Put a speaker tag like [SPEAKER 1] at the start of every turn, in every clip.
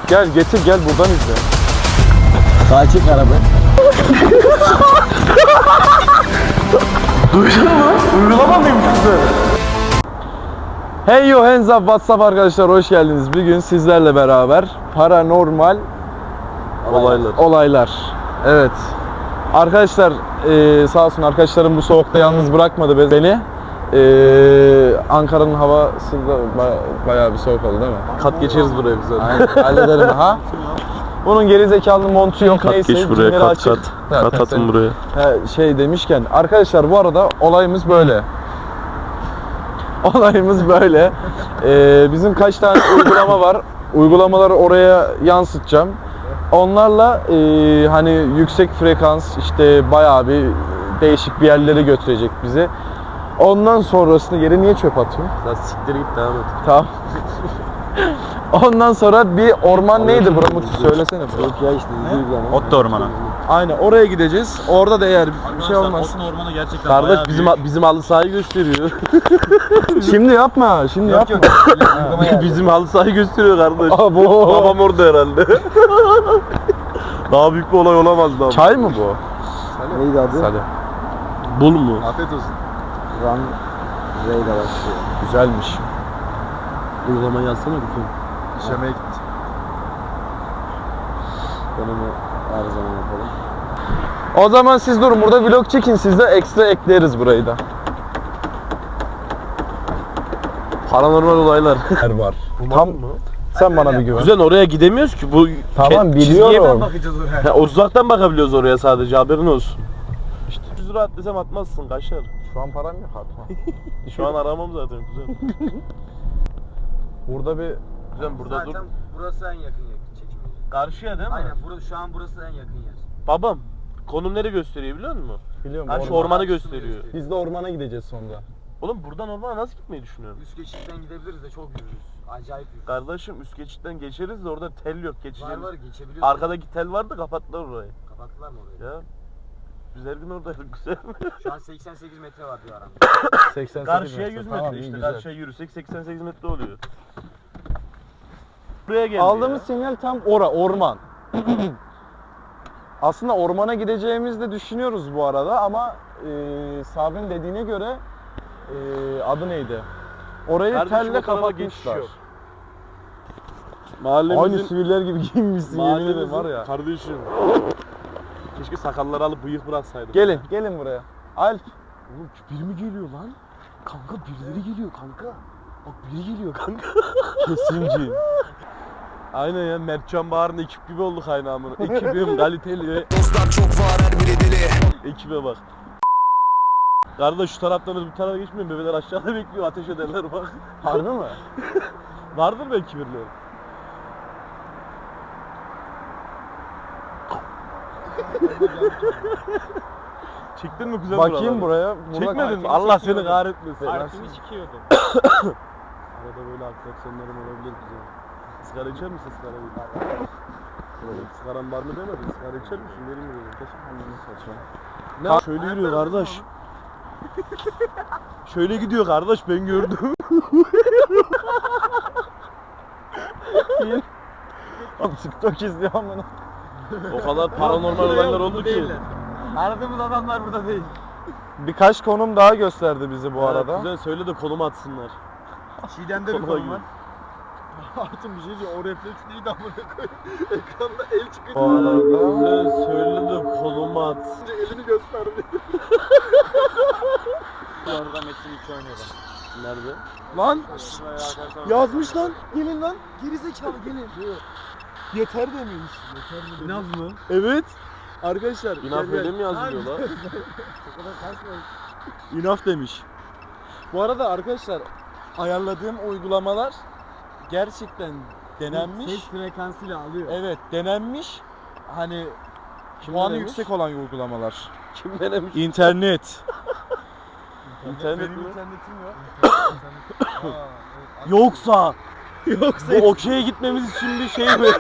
[SPEAKER 1] Gel getir gel buradan izle.
[SPEAKER 2] Sağa çek arabayı.
[SPEAKER 1] Duydun mu? Uygulama mıymış güzel? Hey yo hands up WhatsApp arkadaşlar, hoş geldiniz. Bugün sizlerle beraber paranormal olaylar. Evet. Arkadaşlar sağ olsun arkadaşlarım bu soğukta yalnız bırakmadı beni. Ankara'nın havası da bayağı bir soğuk oldu değil mi?
[SPEAKER 3] Kat geçeriz buraya biz zaten.
[SPEAKER 1] Aynen, hallederim ha. Bunun gerizekalı montu yok,
[SPEAKER 3] Kat
[SPEAKER 1] neyse.
[SPEAKER 3] geç buraya,
[SPEAKER 1] cimri
[SPEAKER 3] kat
[SPEAKER 1] açık.
[SPEAKER 3] kat. Kat atın buraya.
[SPEAKER 1] Şey demişken arkadaşlar, bu arada olayımız böyle. Olayımız böyle. Bizim kaç tane uygulama var. Uygulamaları oraya yansıtacağım. Onlarla hani yüksek frekans, işte bayağı bir değişik bir yerlere götürecek bizi. Ondan sonrasında yere niye çöp atıyorsun?
[SPEAKER 3] Sen siktir git, devam et.
[SPEAKER 1] Tamam. Ondan sonra bir orman neydi bura Muti, söylesene bro.
[SPEAKER 2] Yok ya işte uygulama.
[SPEAKER 3] Ot da ormana.
[SPEAKER 1] Aynen, oraya gideceğiz. Orada da eğer bir şey olmaz.
[SPEAKER 3] Ot da ormana gerçekten
[SPEAKER 1] Kardeş
[SPEAKER 3] bizim halı sahayı gösteriyor.
[SPEAKER 1] Şimdi yapma, şimdi yapma.
[SPEAKER 3] Bizim halı sahayı gösteriyor kardeş.
[SPEAKER 1] Abo.
[SPEAKER 3] Babam orada herhalde. Daha büyük bir olay olamazdı abi.
[SPEAKER 1] Çay mı bu?
[SPEAKER 2] Neydi adı?
[SPEAKER 1] Hadi.
[SPEAKER 3] Bul mu?
[SPEAKER 2] Afiyet olsun. Run Ray'le başlıyor.
[SPEAKER 1] Güzelmiş.
[SPEAKER 3] Uygulamayı yazsana lütfen.
[SPEAKER 2] İşlemeye gitti. Ben onu her zaman yapalım.
[SPEAKER 1] O zaman siz durun burada vlog çekin, siz de ekstra ekleriz burayı da.
[SPEAKER 3] Paranormal olaylar.
[SPEAKER 1] Var. Tam sen bana bir güven.
[SPEAKER 3] Güzel, oraya gidemiyoruz ki. Bu
[SPEAKER 1] Tamam,
[SPEAKER 3] çizgiye
[SPEAKER 1] biliyorum.
[SPEAKER 2] Bakacağız oraya.
[SPEAKER 3] Ha, uzaktan bakabiliyoruz oraya sadece, haberin olsun. İşte 100 lira at desem atmazsın, kaçar.
[SPEAKER 1] Şu an param yok, atma.
[SPEAKER 3] Şu an aramam zaten güzel.
[SPEAKER 1] Burada bir
[SPEAKER 3] Güzel, burada dur.
[SPEAKER 4] Zaten burası en yakın çekimi.
[SPEAKER 3] Karşıya değil mi?
[SPEAKER 4] Aynen, şu an burası en yakın yer.
[SPEAKER 3] Babam, konum nereye gösteriyor biliyor musun?
[SPEAKER 1] biliyorum.
[SPEAKER 3] Ha, şu ormanı gösteriyor.
[SPEAKER 1] Biz de ormana gideceğiz sonra.
[SPEAKER 3] Oğlum buradan ormana nasıl gitmeyi düşünüyorsun?
[SPEAKER 4] Üst geçitten gidebiliriz de çok yürürüz. Acayip yürürüz.
[SPEAKER 3] Kardeşim üst geçitten geçeriz de orada tel yok,
[SPEAKER 4] Var
[SPEAKER 3] geçeceğiz.
[SPEAKER 4] var, geçebiliyoruz.
[SPEAKER 3] Arkadaki tel vardı, kapattılar orayı.
[SPEAKER 4] Kapattılar mı orayı?
[SPEAKER 3] Ya. Biz her gün oradaydık, güzel.
[SPEAKER 4] Şu an 88 metre var diyor aramda.
[SPEAKER 1] 88
[SPEAKER 3] Karşıya 100 metre
[SPEAKER 1] Tamam, iyi,
[SPEAKER 3] işte,
[SPEAKER 1] güzel.
[SPEAKER 3] karşıya yürüsek 88 metre oluyor. Buraya geldi
[SPEAKER 1] Aldığımız
[SPEAKER 3] ya.
[SPEAKER 1] sinyal tam orman. Aslında ormana gideceğimizi de düşünüyoruz bu arada ama Sabri'nin dediğine göre adı neydi? Orayı
[SPEAKER 3] Kardeşim,
[SPEAKER 1] telle
[SPEAKER 3] o tarafa geçiş
[SPEAKER 1] kapatmışlar.
[SPEAKER 3] yok. Mahallemizin...
[SPEAKER 1] Aynı siviller gibi giyinmişsin, yemin ederim var
[SPEAKER 3] Mahallemizin
[SPEAKER 1] ya.
[SPEAKER 3] kardeşim. Keşke sakalları alıp bıyık bıraksaydım.
[SPEAKER 1] Gelin buraya. Alp.
[SPEAKER 3] Oğlum biri mi geliyor lan? Kanka birileri geliyor kanka. Bak biri geliyor kanka.
[SPEAKER 1] Kesinci.
[SPEAKER 3] Aynen ya, Mertcan Bahar'ın ekip gibi olduk aynı amına. Ekibim kaliteli.
[SPEAKER 5] Dostlar çok var, her biri deli.
[SPEAKER 3] Ekibe bak. Kardeş şu taraftan bu tarafa geçmiyor, bebeler aşağıda bekliyor, ateş ederler bak.
[SPEAKER 1] Harbi mi?
[SPEAKER 3] Vardır belki birileri. Çektin mi güzel
[SPEAKER 1] Bakayım
[SPEAKER 3] buraları?
[SPEAKER 1] buraya. Burada
[SPEAKER 3] Çekmedin mi? Allah seni kahretmesin.
[SPEAKER 4] Arkını sikiyordum.
[SPEAKER 3] Arada böyle atraksiyonlarım olabilir güzel. Sigara içer misin sigara? Sigaran var mı demedin? Sigara içer misin? Verin mi dedim. Ne? Şöyle yürüyor kardeş. Şöyle gidiyor kardeş, ben gördüm.
[SPEAKER 1] TikTok izliyorum bunu.
[SPEAKER 3] O kadar paranormal olaylar oldu ki.
[SPEAKER 4] Aradığımız adamlar burada değil.
[SPEAKER 1] Birkaç konum daha gösterdi bizi bu arada.
[SPEAKER 3] Güzel, söyle de konum atsınlar.
[SPEAKER 4] Çiğdem'de bir
[SPEAKER 3] Konuma
[SPEAKER 4] konu var.
[SPEAKER 3] gir.
[SPEAKER 4] Artık bir şey diyor, o refleks neydi amına koyayım. Ekranda el çıkınca
[SPEAKER 1] Bu arada
[SPEAKER 3] Güzel, söyle de konum at.
[SPEAKER 4] elini gösterdi. Orada Metin 2 oynuyor bak.
[SPEAKER 3] Nerede?
[SPEAKER 1] lan
[SPEAKER 4] Yazmış lan. Gelin lan. Geri zekalı gelin.
[SPEAKER 1] yeter demiş.
[SPEAKER 4] İnaz mı?
[SPEAKER 1] Evet. Arkadaşlar
[SPEAKER 3] İnaf öyle mi yazılıyor lan?
[SPEAKER 1] İnaf demiş. Bu arada arkadaşlar ayarladığım uygulamalar gerçekten denenmiş.
[SPEAKER 4] Ses frekansıyla alıyor.
[SPEAKER 1] Evet, denenmiş. Hani
[SPEAKER 3] Kim
[SPEAKER 1] puanı
[SPEAKER 3] denemiş?
[SPEAKER 1] yüksek olan uygulamalar.
[SPEAKER 3] Kim denemiş?
[SPEAKER 1] İnternet.
[SPEAKER 3] İnternet
[SPEAKER 1] Benim
[SPEAKER 3] mi?
[SPEAKER 1] internetim yok.
[SPEAKER 3] Yoksa
[SPEAKER 1] Yoksa
[SPEAKER 3] bu okey'e gitmemiz için bir şey mi?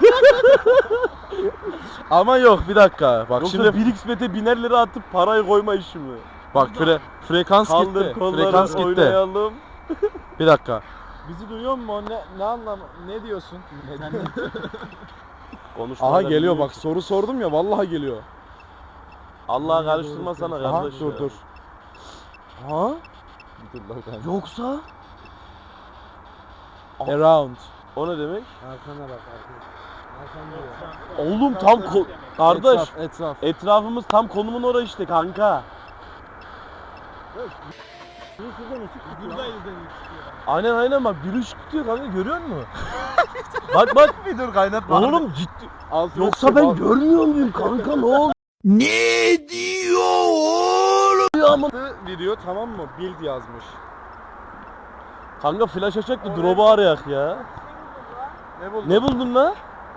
[SPEAKER 1] ama yok, bir dakika. Bak
[SPEAKER 3] Yoksa
[SPEAKER 1] şimdi
[SPEAKER 3] 1xbet'e biner lira atıp parayı koyma işi mi?
[SPEAKER 1] bak frekans
[SPEAKER 3] Kaldır
[SPEAKER 1] gitti.
[SPEAKER 3] kolları,
[SPEAKER 1] Frekans gitti.
[SPEAKER 3] oynayalım.
[SPEAKER 1] Bir dakika.
[SPEAKER 4] Bizi duyuyor mu? Ne anlam? Ne diyorsun?
[SPEAKER 3] Konuşmalar
[SPEAKER 1] Aha geliyor
[SPEAKER 3] büyük.
[SPEAKER 1] bak, soru sordum ya, vallahi geliyor.
[SPEAKER 3] Allah karıştırma sana
[SPEAKER 1] Aha
[SPEAKER 3] kardeş
[SPEAKER 1] dur
[SPEAKER 3] ya.
[SPEAKER 1] dur. Ha?
[SPEAKER 3] Yoksa
[SPEAKER 1] Around.
[SPEAKER 3] o ne demek?
[SPEAKER 2] Arkana bak arkana. Arkana diyor.
[SPEAKER 3] Oğlum tam kardeş
[SPEAKER 1] Etraf.
[SPEAKER 3] etrafımız tam konumun orası işte kanka.
[SPEAKER 4] Buradayız demek istiyor.
[SPEAKER 3] Aynen bak bir ışık tutuyor kanka, görüyor musun? bak
[SPEAKER 1] Bir dur kaynatma.
[SPEAKER 3] oğlum ciddi.
[SPEAKER 1] Altına
[SPEAKER 3] Yoksa
[SPEAKER 1] çık
[SPEAKER 3] ben
[SPEAKER 1] abi.
[SPEAKER 3] görmüyor muyum kanka, ne oldu?
[SPEAKER 5] Ne diyor oğlum?
[SPEAKER 1] Video tamam mı? Build yazmış.
[SPEAKER 3] Kanka flash açacak da drop'u arayak ya.
[SPEAKER 1] Ne buldun?
[SPEAKER 3] Ne buldun lan?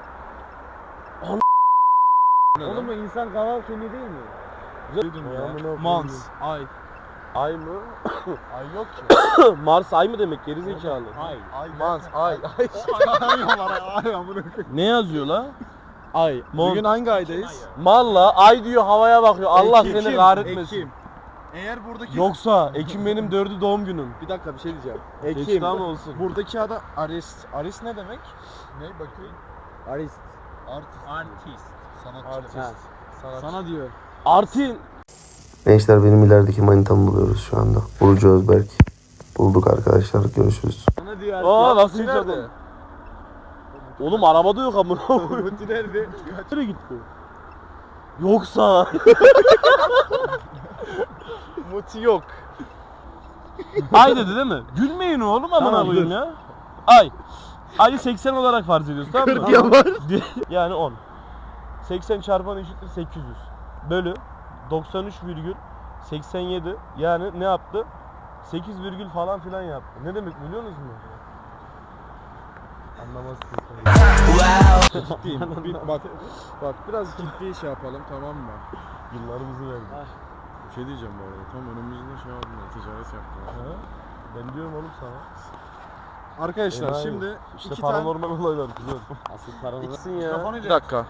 [SPEAKER 2] Oğlum bu insan kaval kemiği değil mi?
[SPEAKER 1] Mans. Ay.
[SPEAKER 3] Ay mı?
[SPEAKER 1] Ay yok ki.
[SPEAKER 3] Mars ay mı demek gerizekalı?
[SPEAKER 4] Ay.
[SPEAKER 1] Mans. Ay.
[SPEAKER 4] Ay amına.
[SPEAKER 3] Ne yazıyor la?
[SPEAKER 1] Ay.
[SPEAKER 3] Mont.
[SPEAKER 1] Bugün hangi aydayız?
[SPEAKER 3] Malla ay diyor, havaya bakıyor. Allah
[SPEAKER 1] Ekim.
[SPEAKER 3] seni kahretmesin.
[SPEAKER 1] Ekim. Eğer buradaki...
[SPEAKER 3] Yoksa Ekim benim 4'ü doğum günüm.
[SPEAKER 1] Bir dakika bir şey diyeceğim.
[SPEAKER 3] Ekim. Tamam olsun.
[SPEAKER 1] Buradaki adam Arist. Arist ne demek?
[SPEAKER 4] Ne bakayım?
[SPEAKER 2] Arist.
[SPEAKER 4] Artist. Sanatçı.
[SPEAKER 1] Artist. Sanatçı.
[SPEAKER 2] Sana diyor.
[SPEAKER 3] Artin.
[SPEAKER 6] Gençler benim ilerideki manitamı buluyoruz şu anda. Burcu Özberk. Bulduk arkadaşlar. Görüşürüz.
[SPEAKER 2] Sana diyor
[SPEAKER 3] Aa nasıl hiç
[SPEAKER 1] nerede?
[SPEAKER 3] adam? Oğlum arabada yok amına.
[SPEAKER 4] Muti nerede?
[SPEAKER 3] Nereye gitti? Yoksa
[SPEAKER 1] Muti yok.
[SPEAKER 3] ay dedi değil mi? Gülmeyin oğlum amına
[SPEAKER 2] Tamam,
[SPEAKER 3] koyayım ya. Ay. Ayı 80 olarak farz ediyoruz, tamam mı? 40 var. Yani 10. 80 çarpan eşittir 800. Bölü 93,87, yani ne yaptı? 8 virgül falan filan yaptı. Ne demek biliyorsunuz mu? Anlamazsınız.
[SPEAKER 1] Ciddiyim. Bak biraz ciddi şey yapalım, tamam mı?
[SPEAKER 3] Yıllarımızı verdik.
[SPEAKER 1] Bir şey diyeceğim bu arada. Tam önümüzde şey yaptılar. Ticaret yaptılar.
[SPEAKER 3] Ha? Ben diyorum oğlum sana.
[SPEAKER 1] Arkadaşlar
[SPEAKER 3] Enayi.
[SPEAKER 1] şimdi
[SPEAKER 3] İşte
[SPEAKER 1] iki tane...
[SPEAKER 3] paranormal olaylar güzel.
[SPEAKER 2] Asıl paranı.
[SPEAKER 3] İksin ya.
[SPEAKER 1] Bir dakika.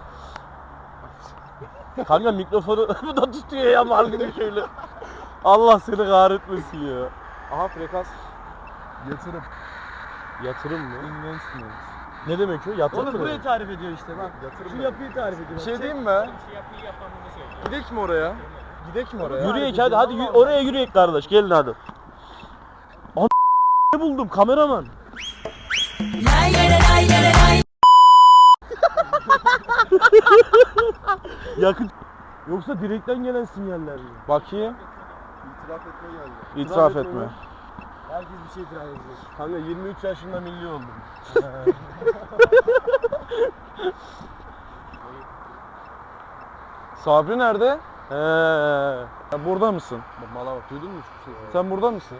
[SPEAKER 3] Kanka mikrofonu bu da tutuyor ya mal gibi şöyle. Allah seni kahretmesin ya.
[SPEAKER 1] Aha frekans.
[SPEAKER 4] Yatırım.
[SPEAKER 3] Yatırım mı?
[SPEAKER 1] Investment.
[SPEAKER 3] Ne demek o? Yatırım
[SPEAKER 2] Oğlum
[SPEAKER 3] mı?
[SPEAKER 2] burayı tarif ediyor işte bak. Şu yapıyı tarif ediyor.
[SPEAKER 1] Bir şey diyeyim mi? Gidek mi oraya? Gidek mi oraya?
[SPEAKER 3] Yürüyek hadi oraya yürüyek kardeş, gelin hadi. Ne buldum kameraman? Yakın. Yoksa direkten gelen sinyaller mi?
[SPEAKER 1] Bakayım.
[SPEAKER 4] İtiraf etme geldi.
[SPEAKER 1] İtiraf etme.
[SPEAKER 2] Herkes bir şey itiraf edecek.
[SPEAKER 3] Kanka 23 yaşında milli oldum.
[SPEAKER 1] Sabri nerede?
[SPEAKER 3] He.
[SPEAKER 1] Ya burada mısın?
[SPEAKER 3] Mala bak, duydun mu şu sesi?
[SPEAKER 1] Sen burada mısın?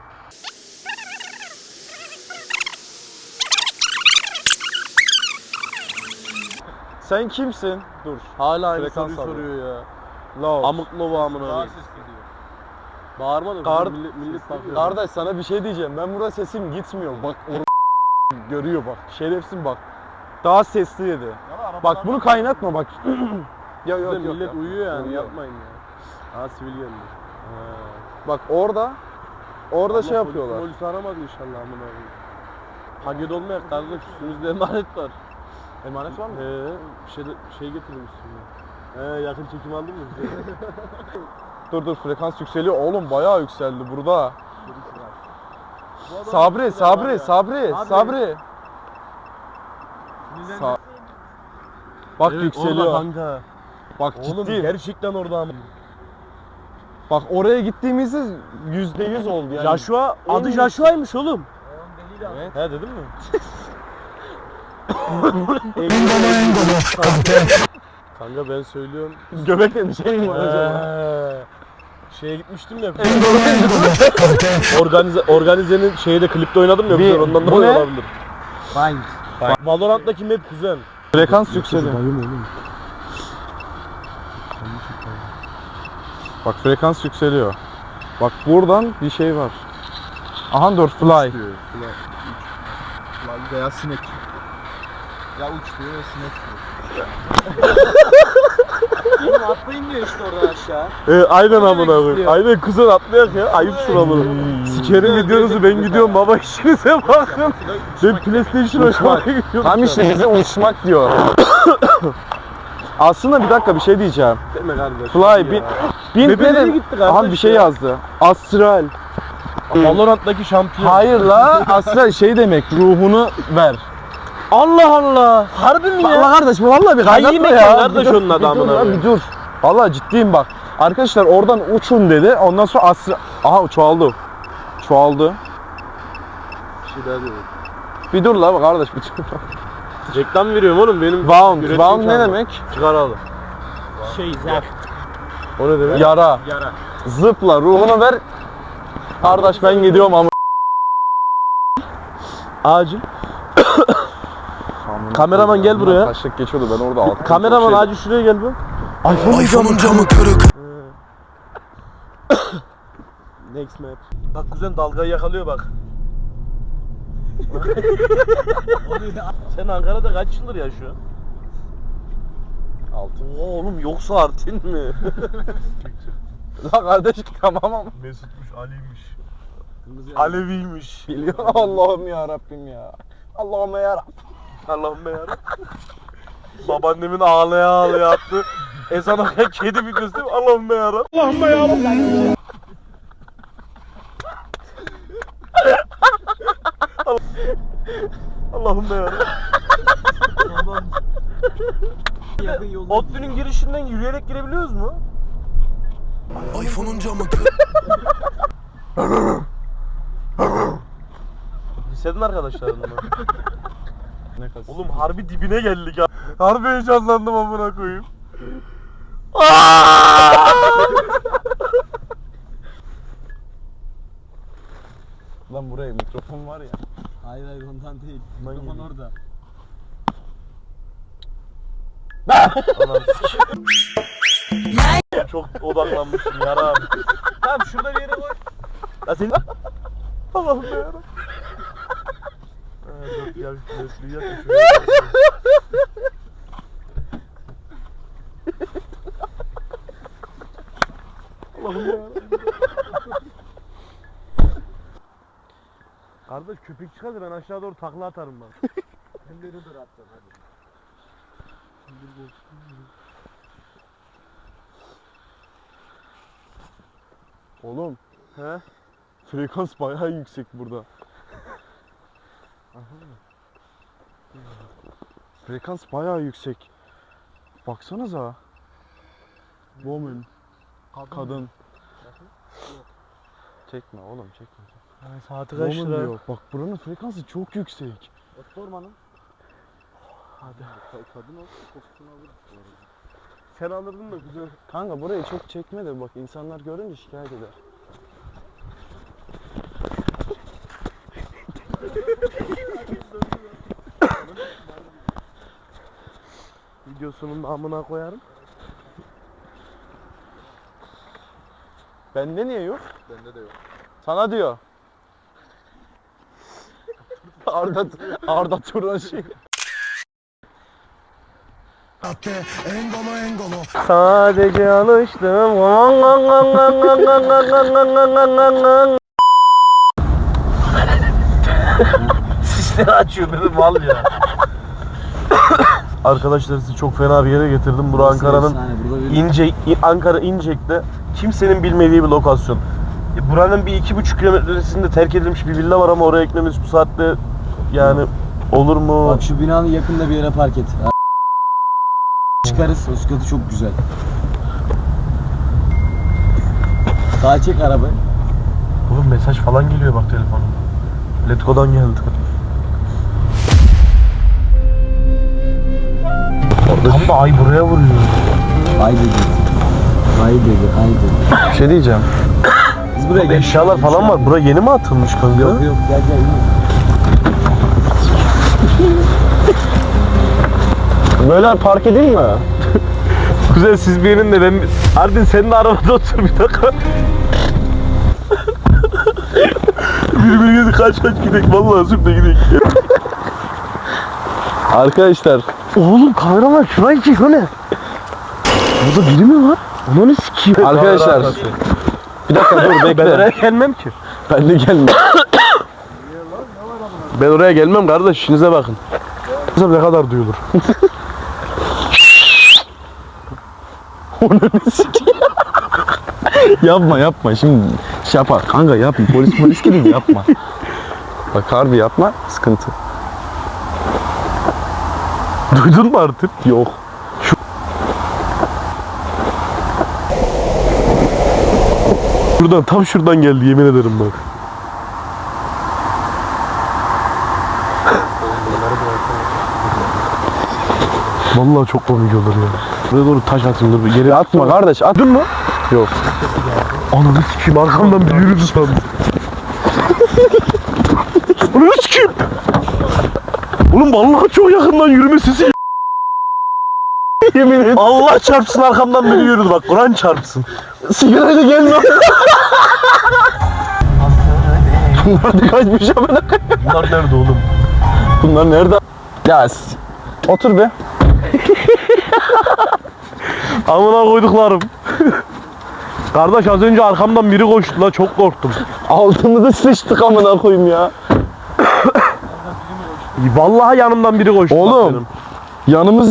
[SPEAKER 1] Sen kimsin? Dur.
[SPEAKER 3] Hala aynı
[SPEAKER 1] Frekans
[SPEAKER 3] soruyu
[SPEAKER 1] alıyor.
[SPEAKER 3] soruyor ya.
[SPEAKER 1] Love.
[SPEAKER 3] Amık lova amına
[SPEAKER 4] Daha
[SPEAKER 3] koyayım.
[SPEAKER 4] sesli diyor.
[SPEAKER 3] Bağırma da
[SPEAKER 1] Kar-
[SPEAKER 3] millet bakıyor.
[SPEAKER 1] Kardeş sana bir şey diyeceğim. Ben burada sesim gitmiyor. Bak görüyor bak. Şerefsin bak. Daha sesli dedi. Bak bunu kaynatma bak. Ya
[SPEAKER 3] Size
[SPEAKER 1] yok yok.
[SPEAKER 3] millet
[SPEAKER 1] yok.
[SPEAKER 3] uyuyor yani,
[SPEAKER 1] Uyuyor.
[SPEAKER 3] yapmayın ya. Ha sivil geldi.
[SPEAKER 1] Bak orada şey yapıyorlar.
[SPEAKER 3] Polisi aramadı inşallah amına koyayım. Paket olmayak kardeş, üstümüzde emanet var.
[SPEAKER 1] Emanet var mı?
[SPEAKER 3] Şey getirdim üstüme. Yakın çekim aldın mı?
[SPEAKER 1] Dur frekans yükseliyor. Oğlum bayağı yükseldi burada. Sabri. Bak
[SPEAKER 3] Evet,
[SPEAKER 1] yükseliyor.
[SPEAKER 3] orada kanka.
[SPEAKER 1] Bak
[SPEAKER 3] Oğlum
[SPEAKER 1] ciddiyim.
[SPEAKER 3] gerçekten orada ama.
[SPEAKER 1] Bak oraya gittiğimizde %100 oldu yani.
[SPEAKER 3] Joshua, adı Joshua'ymış oğlum.
[SPEAKER 1] Evet.
[SPEAKER 3] He dedim mi? Kanka ben söylüyorum.
[SPEAKER 1] Göbekle bir şey mi var acaba?
[SPEAKER 3] Şeye gitmiştim ya. Organize'nin şeyde klipte oynadım ya.
[SPEAKER 1] Bir-
[SPEAKER 3] Ondan
[SPEAKER 1] bu
[SPEAKER 3] dolayı
[SPEAKER 1] ne?
[SPEAKER 3] olabilir.
[SPEAKER 2] Find.
[SPEAKER 3] Valorant'taki map kuzen.
[SPEAKER 1] Frekans yükseliyor. Bak frekans yükseliyor. Bak buradan bir şey var. Aha dur fly.
[SPEAKER 4] Lan veya sinek. Ya uç diyor ya sinek diyor.
[SPEAKER 2] atlayın diyor işte oradan aşağı.
[SPEAKER 3] Aynen amına koyayım. Aynen kuzen atlayak ya. Ayıpsın amına. Sikerim videonuzu ben gidiyorum baba işinize bakın. Ben PlayStation oynamaya gidiyorum.
[SPEAKER 1] Tam işte bize uçmak diyor. Aslında bir dakika bir şey diyeceğim.
[SPEAKER 3] Deme kardeş.
[SPEAKER 1] Fly bin
[SPEAKER 3] Bebeleri gitti kardeş
[SPEAKER 1] Aha bir şey
[SPEAKER 3] ya.
[SPEAKER 1] yazdı. Astral.
[SPEAKER 3] Valorant'taki şampiyon.
[SPEAKER 1] Hayır la astral şey demek ruhunu ver.
[SPEAKER 3] Allah Allah. Harbi mi ya?
[SPEAKER 1] Allah kardeş bu vallahi bir
[SPEAKER 3] Kayyi
[SPEAKER 1] kaynatma
[SPEAKER 3] mekan
[SPEAKER 1] ya.
[SPEAKER 3] kardeş
[SPEAKER 1] Bir dur,
[SPEAKER 3] onun adı
[SPEAKER 1] bir dur
[SPEAKER 3] amına
[SPEAKER 1] lan,
[SPEAKER 3] koyayım.
[SPEAKER 1] bir dur. Vallahi ciddiyim bak. Arkadaşlar oradan uçun dedi. Ondan sonra astral. Aha çoğaldı. Çoğaldı.
[SPEAKER 3] Bir şey daha diyorum.
[SPEAKER 1] Bir dur la kardeş bir dur.
[SPEAKER 3] Reklam veriyorum oğlum benim.
[SPEAKER 1] Wound.
[SPEAKER 3] üretim
[SPEAKER 1] Wound ne
[SPEAKER 3] şanlı.
[SPEAKER 1] demek?
[SPEAKER 3] Çıkar al.
[SPEAKER 2] Zap.
[SPEAKER 3] O ne demek?
[SPEAKER 1] Yara. Zıpla ruhunu ver. Kardeş ben gidiyorum ama.
[SPEAKER 3] Acil. Kameraman gel buraya.
[SPEAKER 1] Taşlık geçiyordu ben orada altı.
[SPEAKER 3] Kameraman acil şuraya gel bu.
[SPEAKER 5] iPhone'un camı kırık.
[SPEAKER 3] Next map. Bak kuzen dalgayı yakalıyor bak. Sen Ankara'da kaç yıldır yaşıyorsun?
[SPEAKER 1] Altın.
[SPEAKER 3] Oğlum yoksa Artin mi?
[SPEAKER 1] La kardeş tamam ama.
[SPEAKER 3] Mesutmuş, Ali'ymiş. Aleviymiş.
[SPEAKER 1] Biliyor Allah'ım ya Rabbim ya. Allah'ım ya Rabbim.
[SPEAKER 3] Allah'ım ya. Babaannemin ağlaya ağlaya attı. Ezan okuyan kedi videosu değil mi? Allah'ım ya. Allah'ım ya. Allah'ım ya.
[SPEAKER 2] Yakın yolda.
[SPEAKER 3] ODTÜ'nün girişinden yürüyerek girebiliyoruz mu?
[SPEAKER 5] iPhone'un camı kırık.
[SPEAKER 3] Liseden arkadaşlarımla.
[SPEAKER 1] Ne kasıt?
[SPEAKER 3] Oğlum harbi dibine geldik ya. Harbi heyecanlandım amına koyayım.
[SPEAKER 1] Lan buraya mikrofon var ya.
[SPEAKER 2] Hayır hayır ondan değil. Mikrofon orada.
[SPEAKER 3] Çok odaklanmışım yaram. Tamam şurada bir yere koy. Ya sen... Allah'ım ya. Dur gel şuraya yat. Allah'ım ya. Kardeş köpek çıkarsa ben aşağı doğru takla atarım ben.
[SPEAKER 2] Hem de rüzgar atacağım hadi.
[SPEAKER 1] Oğlum
[SPEAKER 3] He?
[SPEAKER 1] frekans bayağı yüksek burada. Frekans bayağı yüksek. Baksanıza. Woman. Kadın. Çekme oğlum çekme.
[SPEAKER 3] Saati kaç
[SPEAKER 1] Woman
[SPEAKER 3] lira?
[SPEAKER 1] diyor. Bak buranın frekansı çok yüksek.
[SPEAKER 2] Sormanın.
[SPEAKER 3] Hadi.
[SPEAKER 2] Kadın olsun kokusunu alır bu arada.
[SPEAKER 3] Sen alırdın da güzel.
[SPEAKER 1] Kanka burayı çok çekme de bak insanlar görünce şikayet eder.
[SPEAKER 3] Videosunun amına koyarım.
[SPEAKER 1] Bende niye yok?
[SPEAKER 4] Bende de yok.
[SPEAKER 1] Sana diyor. Arda Turan şey.
[SPEAKER 5] Engolo.
[SPEAKER 3] Sadece alıştım. Sisleri açıyor benim mal ya. Arkadaşlar sizi çok fena bir yere getirdim. Burası Ankara'nın Ankara İncek'te kimsenin bilmediği bir lokasyon. Buranın bir 2,5 kilometresinde terk edilmiş bir villa var ama oraya gitmemiz bu saatte yani olur mu?
[SPEAKER 2] Bak şu binanın yakında bir yere park et. Çıkarız. O sıkıntı çok güzel. Sağa çek arabayı.
[SPEAKER 3] Oğlum mesaj falan geliyor bak telefonuma. Letgo'dan geldi. Tam da ay buraya vuruyor.
[SPEAKER 2] Ay dedi. Ay dedi. Ay dedi.
[SPEAKER 1] Bir şey diyeceğim.
[SPEAKER 2] Biz buraya gel.
[SPEAKER 3] Eşyalar falan var. Bura yeni mi atılmış kanka?
[SPEAKER 2] Yok yok gel gel.
[SPEAKER 1] Böyle park edeyim mi?
[SPEAKER 3] Güzel siz bir yerinde ben... Ardın senin de arabada otur bir dakika. Birbirine kaç gidelim. Vallahi süper gidelim.
[SPEAKER 1] Arkadaşlar.
[SPEAKER 3] Oğlum kameraman şurayı çek o ne? Burada biri mi var? Onu ne sikiyim?
[SPEAKER 1] Arkadaşlar bir dakika dur
[SPEAKER 3] Ben
[SPEAKER 1] bekle.
[SPEAKER 3] oraya gelmem ki.
[SPEAKER 1] Ben de gelme.
[SPEAKER 3] Ben oraya gelmem kardeş, işinize bakın. Kızım ne kadar duyulur.
[SPEAKER 1] Yapma şimdi şey yapar kanka yapma polis gibi yapma. Bak harbi yapma sıkıntı.
[SPEAKER 3] Duydun mu artık?
[SPEAKER 1] Yok.
[SPEAKER 3] Şuradan, tam şuradan geldi yemin ederim bak. Vallahi çok komik olur ya. Buraya doğru taş atayım dur. Yere
[SPEAKER 1] Atma kardeş at.
[SPEAKER 3] Attın mı?
[SPEAKER 1] Yok.
[SPEAKER 3] Ananı sikeyim, arkamdan biri yürüdü sandım. Ananı sikeyim. Oğlum vallahi çok yakından yürüme sesi. Yemin ederim. Allah çarpsın, arkamdan biri yürüdü bak. Kur'an çarpsın.
[SPEAKER 1] Sigarayla gelme. Bunlar da kaçmış ama.
[SPEAKER 3] Bunlar nerede oğlum?
[SPEAKER 1] Bunlar nerede? Ya otur be.
[SPEAKER 3] Amına koyduklarım. Kardeş az önce arkamdan biri koştu la, çok korktum.
[SPEAKER 1] Altımıza sıçtık amına koyayım ya.
[SPEAKER 3] Vallahi yanımdan biri koştu.
[SPEAKER 1] Oğlum.
[SPEAKER 3] bak benim.
[SPEAKER 1] Yanımız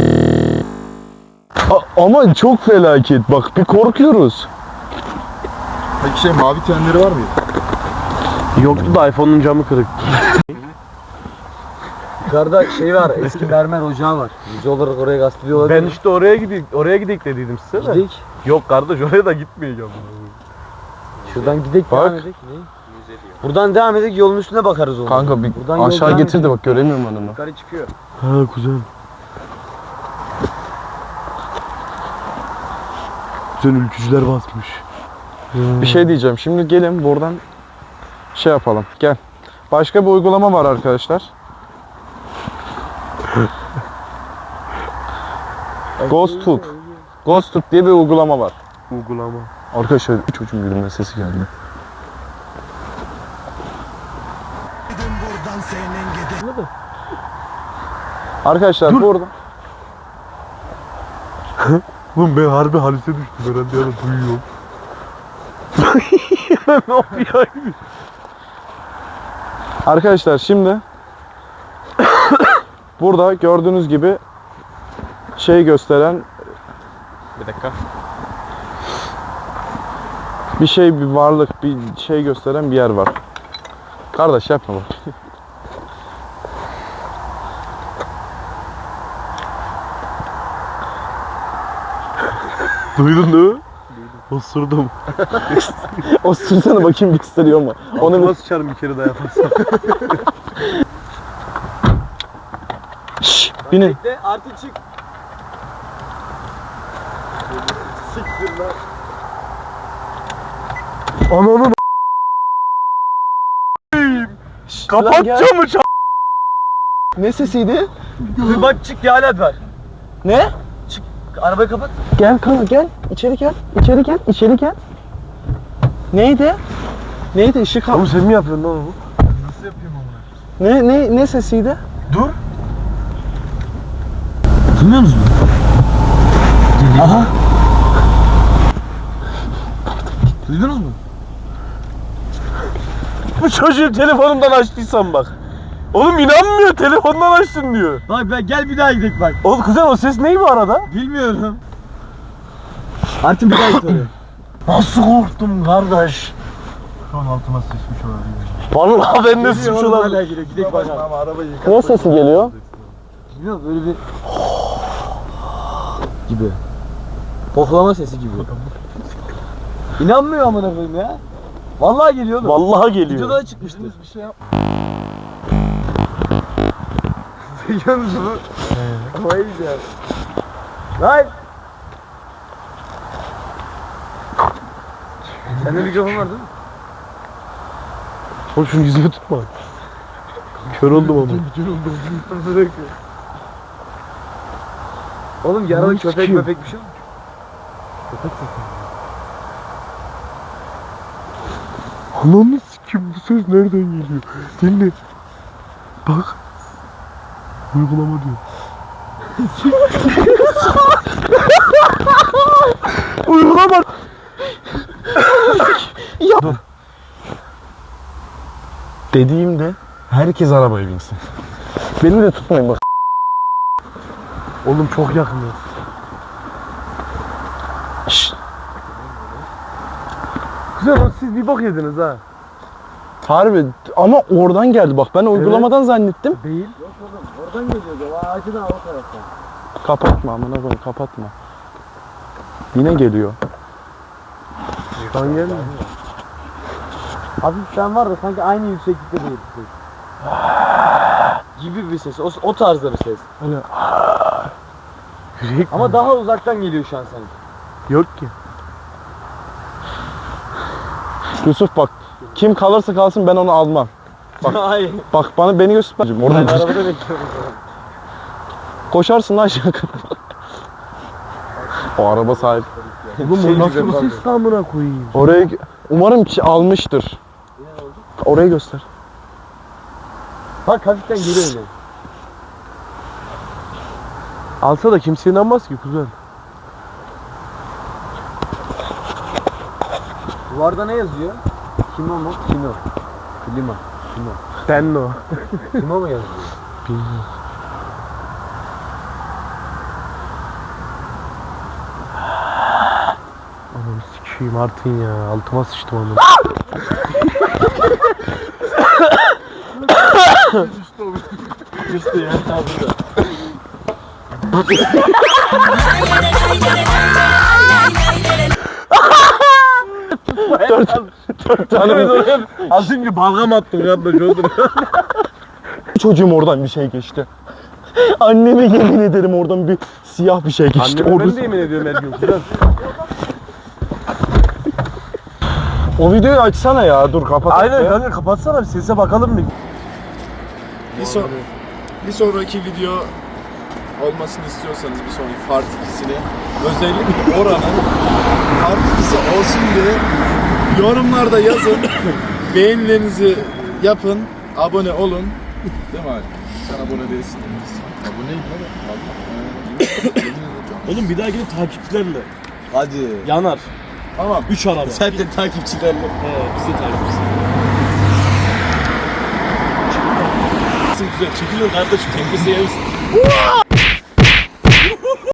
[SPEAKER 1] ama çok felaket bak bir korkuyoruz.
[SPEAKER 4] Peki şey mavi tenleri var mıydı?
[SPEAKER 3] Yoktu da iPhone'un camı kırık.
[SPEAKER 2] Yukarıda şey var, eski mermer ocağı var. Yüze olarak oraya gazeteliyor olabilir.
[SPEAKER 3] Ben işte oraya gidik dediydim size de.
[SPEAKER 2] Gidik.
[SPEAKER 3] Yok kardeş, oraya da gitmeyeceğim.
[SPEAKER 2] Şuradan gidelim,
[SPEAKER 1] Bak.
[SPEAKER 2] devam edelim. Ne? Buradan devam edelim, yolun üstüne bakarız onu.
[SPEAKER 1] Kanka bir
[SPEAKER 2] Buradan yol
[SPEAKER 1] aşağı
[SPEAKER 2] devam
[SPEAKER 1] getir de
[SPEAKER 2] ediyor.
[SPEAKER 1] bak göremiyorum adamı.
[SPEAKER 2] Yukarı çıkıyor.
[SPEAKER 3] Ha güzel. Güzel ülkücüler basmış.
[SPEAKER 1] Bir şey diyeceğim. Şimdi gelin buradan şey yapalım. Gel. Başka bir uygulama var arkadaşlar. Ghost Hook. Ghost Hook diye bir uygulama var.
[SPEAKER 3] Uygulama.
[SPEAKER 1] Arkadaşlar çocuğun yürüme sesi geldi.
[SPEAKER 5] buradan senin gidi.
[SPEAKER 1] Arkadaşlar burada
[SPEAKER 3] Oğlum ben harbi halise düştüm herhalde, ya da duyuyorum. Ne yapıyor?
[SPEAKER 1] arkadaşlar şimdi burada gördüğünüz gibi şey gösteren bir dakika. Bir şey, bir varlık, bir şey gösteren bir yer var. Kardeş yapma bak.
[SPEAKER 3] Duydun değil mi? Osurdum.
[SPEAKER 1] O sürsene bakayım gösteriyor mu? Onu bir...
[SPEAKER 3] Nasıl sıçarım bir kere daha yaparsam.
[SPEAKER 1] Şşş, binin.
[SPEAKER 2] De artık çık. Siktir lan.
[SPEAKER 3] Ananın
[SPEAKER 1] Lan
[SPEAKER 3] kapat
[SPEAKER 1] gel.
[SPEAKER 3] camı
[SPEAKER 1] Ne sesiydi?
[SPEAKER 2] Dur bak çık, bir alet var.
[SPEAKER 1] Ne?
[SPEAKER 2] Arabayı kapat.
[SPEAKER 1] Gel kanka gel. İçeri gel. İçeri gel. İçeri gel. Neydi? Neydi? Işık al.
[SPEAKER 3] Oğlum sen mi yapıyorsun lan onu?
[SPEAKER 4] Nasıl yapayım onu?
[SPEAKER 1] Ne sesiydi?
[SPEAKER 3] Dur.
[SPEAKER 2] Duymuyor musun? Aha. Duydunuz mu?
[SPEAKER 3] Bu çocuğu telefonumdan açtıysam bak. Oğlum inanmıyor, telefondan açtın diyor.
[SPEAKER 2] Bak ben gel bir daha gidelim bak.
[SPEAKER 3] Oğlum kuzen o ses ney bu arada?
[SPEAKER 2] Bilmiyorum. Artık bir daha git oraya.
[SPEAKER 3] Nasıl korktum kardeş?
[SPEAKER 4] Şu an altıma sıçmış olabilir.
[SPEAKER 3] Vallahi ben de suç olan.
[SPEAKER 2] Hala gidelim. Gidelim bakalım.
[SPEAKER 4] Ama arabayı yıkat.
[SPEAKER 1] Ne sesi geliyor?
[SPEAKER 2] Bilmiyorum, böyle bir gibi. Pohlama sesi gibi. İnanmıyor amına koyayım ya. Vallahi geliyor oğlum.
[SPEAKER 3] Vallahi geliyor.
[SPEAKER 2] Videoda da çıkmıştı.
[SPEAKER 4] Bir şey yap. Duyuyor musun? Kafayı yiyeceğim.
[SPEAKER 2] Lan! Sende mikrofon var değil mi?
[SPEAKER 3] Oğlum şunu yüzüme tutma. Kör oldum ama.
[SPEAKER 2] Oğlum yaralı
[SPEAKER 3] Oğlum,
[SPEAKER 2] köpek
[SPEAKER 3] sikeyim.
[SPEAKER 2] bir şey mi?
[SPEAKER 3] Ananı sikim, bu ses nereden geliyor? Dinle. Bak. Uygulama diyor. Uygulama. Ya. Dur.
[SPEAKER 1] Dediğimde herkes arabaya binsin. Beni de tutmayın bak.
[SPEAKER 3] Oğlum çok yakınız.
[SPEAKER 1] Şşt.
[SPEAKER 3] Güzel lan, siz bir bok yediniz ha.
[SPEAKER 1] Harbi ama oradan geldi bak. Ben uygulamadan zannettim.
[SPEAKER 3] Değil.
[SPEAKER 2] Yok oğlum oradan geliyordu. O ağacın o taraftan.
[SPEAKER 1] Kapatma amına koyayım, kapatma. Yine geliyor.
[SPEAKER 3] Şu an gelmiyor.
[SPEAKER 2] Hafiften var da sanki aynı yükseklikte değil. Gibi bir ses. O tarzda bir ses.
[SPEAKER 3] Öyle. Yürek
[SPEAKER 2] Ama daha uzaktan geliyor şu an sanki.
[SPEAKER 3] yok ki.
[SPEAKER 1] Yusuf bak. Kim kalırsa kalsın ben onu almam. Bak.
[SPEAKER 2] Hayır.
[SPEAKER 1] Bak beni göster.
[SPEAKER 2] Ben
[SPEAKER 1] Oradan
[SPEAKER 2] arabada bekliyorum.
[SPEAKER 1] koşarsın lan aşağı kadar. O araba sahip.
[SPEAKER 3] Oğlum bu nasıl bir ses amına koyayım?
[SPEAKER 1] Oraya umarım ki almıştır. Orayı göster.
[SPEAKER 2] Bak hafiften geliyor yine.
[SPEAKER 3] Alsa da kimse inanmaz ki kuzen.
[SPEAKER 2] Duvarda ne yazıyor? Kimo mu? Kino. Klima. Kimo.
[SPEAKER 3] Ben o.
[SPEAKER 2] Kimo mu yazıyor?
[SPEAKER 3] Anam sikeyim Artin ya. Altıma sıçtım onu.
[SPEAKER 2] Düştü ya. Tabii.
[SPEAKER 3] Az önce balgam attım kardeş oğlum.
[SPEAKER 1] Çocuğum oradan bir şey geçti. Anneme yemin ederim oradan bir siyah bir şey geçti.
[SPEAKER 3] Anneme ben
[SPEAKER 1] Orası-
[SPEAKER 3] de yemin ediyorum her gün kuzen.
[SPEAKER 1] O videoyu açsana ya. Dur kapat.
[SPEAKER 3] Aynen kanka, kapatsana bir sese bakalım bir.
[SPEAKER 4] Bir sonraki video olmasını istiyorsanız bir sonraki part 2'sini özellikle oranın part 2'si olsun diye yorumlarda yazın. Beğenilerinizi yapın. Abone olun. Değil mi abi? Sen abone değilsin. Aboneyim abi.
[SPEAKER 3] Oğlum bir dahakine takipçilerle
[SPEAKER 4] Hadi.
[SPEAKER 3] yanar.
[SPEAKER 4] Tamam.
[SPEAKER 3] 3 araba.
[SPEAKER 4] Sen de takipçilerle.
[SPEAKER 3] Biz de takipçiyiz. Güzel çekilin kardeşim, tepkisi yersin.